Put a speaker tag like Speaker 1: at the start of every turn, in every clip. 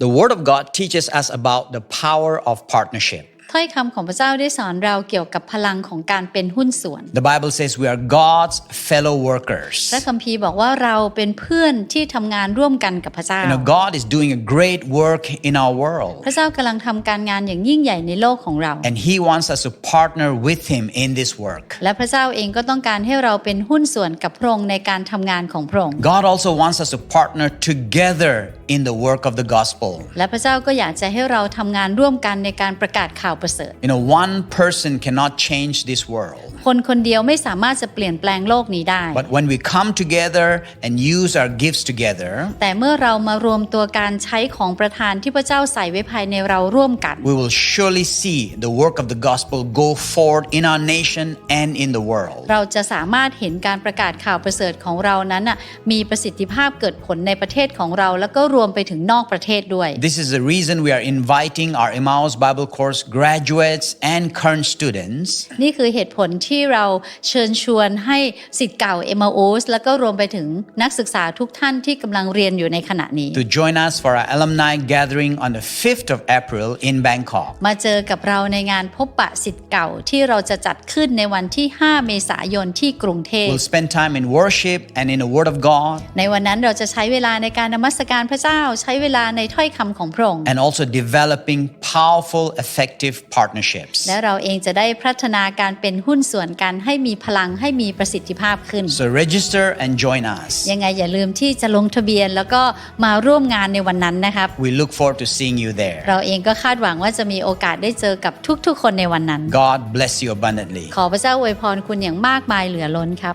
Speaker 1: The Word of God teaches us about the power of partnership.
Speaker 2: ถ้อยคำของพระเจ้าได้สอนเราเกี่ยวกับพลังของการเป็นหุ้นส่วน
Speaker 1: The Bible says we are God's fellow workers.
Speaker 2: พระคัมภีร์บอกว่าเราเป็นเพื่อนที่ทำงานร่วมกันกับพระเจ้า
Speaker 1: God is doing a great work in our world.
Speaker 2: พระเจ้ากำลังทำการงานอย่างยิ่งใหญ่ในโลกของเรา
Speaker 1: And He wants us to partner with Him in this work.
Speaker 2: และพระเจ้าเองก็ต้องการให้เราเป็นหุ้นส่วนกับพระองค์ในการทำงานของพระองค์
Speaker 1: God also wants us to partner together in the work of the gospel.
Speaker 2: และพระเจ้าก็อยากจะให้เราทำงานร่วมกันในการประกาศข่าวประเสริฐ
Speaker 1: One person cannot change this world.
Speaker 2: คนคนเดียวไม่สามารถจะเปลี่ยนแปลงโลกนี้ได้
Speaker 1: But when we come together and use our gifts together,
Speaker 2: แต่เมื่อเรามารวมตัวการใช้ของประทานที่พระเจ้าใส่ไว้ภายในเราร่วมกัน
Speaker 1: we will surely see the work of the gospel go forward in our nation and in the world.
Speaker 2: เราจะสามารถเห็นการประกาศข่าวประเสริฐของเรานั้นมีประสิทธิภาพเกิดผลในประเทศของเราแล้วก็รวมไปถึงนอกประเทศด้วย
Speaker 1: This is the reason we are inviting our Emmaus Bible Course graduates and current students
Speaker 2: นี่คือเหตุผลที่เราเชิญชวนให้ศิษย์เก่า Emmaus แล้วก็รวมไปถึงนักศึกษาทุกท่านที่กำลังเรียนอยู่ในขณะนี้
Speaker 1: to join us for our alumni gathering on the 5th of April in Bangkok.
Speaker 2: มาเจอกับเราในงานพบปะศิษย์เก่าที่เราจะจัดขึ้นในวันที่ 5 เมษายนที่กรุงเทพ
Speaker 1: We'll spend time in worship and in the Word of God.
Speaker 2: ในวันนั้นเราจะใช้เวลาในการนมัสการพระเจ้าใช้เวลาในถ้อยคำของพระองค์
Speaker 1: And also developing powerful, effective partnerships.
Speaker 2: และเราเองจะได้พัฒนาการเป็นหุ้นส่วนกันให้มีพลังให้มีประสิทธิภาพขึ้น
Speaker 1: So register and join us.
Speaker 2: ยังไงอย่าลืมที่จะลงทะเบียนแล้วก็มาร่วมงานในวันนั้นนะครับ
Speaker 1: We look forward to seeing you there.
Speaker 2: เราเองก็คาดหวังว่าจะมีโอกาสได้เจอกับทุกๆคนในวันนั้น
Speaker 1: God bless you abundantly.
Speaker 2: ขอพระเจ้าอวยพรคุณอย่างมากมายเหลือล้นครับ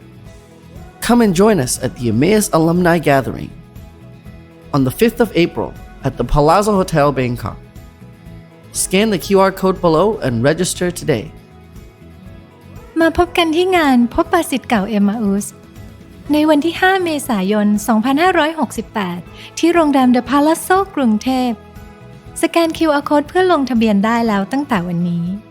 Speaker 3: Come and join us at the Emmaus Alumni Gathering on the 5th of April at the Palazzo Hotel Bangkok. Scan the QR code below and register today.
Speaker 4: มาพบกันที่งานพบปะศิษย์เก่าเอมมาอุสในวันที่ 5 เมษายน 2568 ที่โรงแรม The Palazzo กรุงเทพสแกน QR code เพื่อลงทะเบียนได้แล้วตั้งแต่วันนี้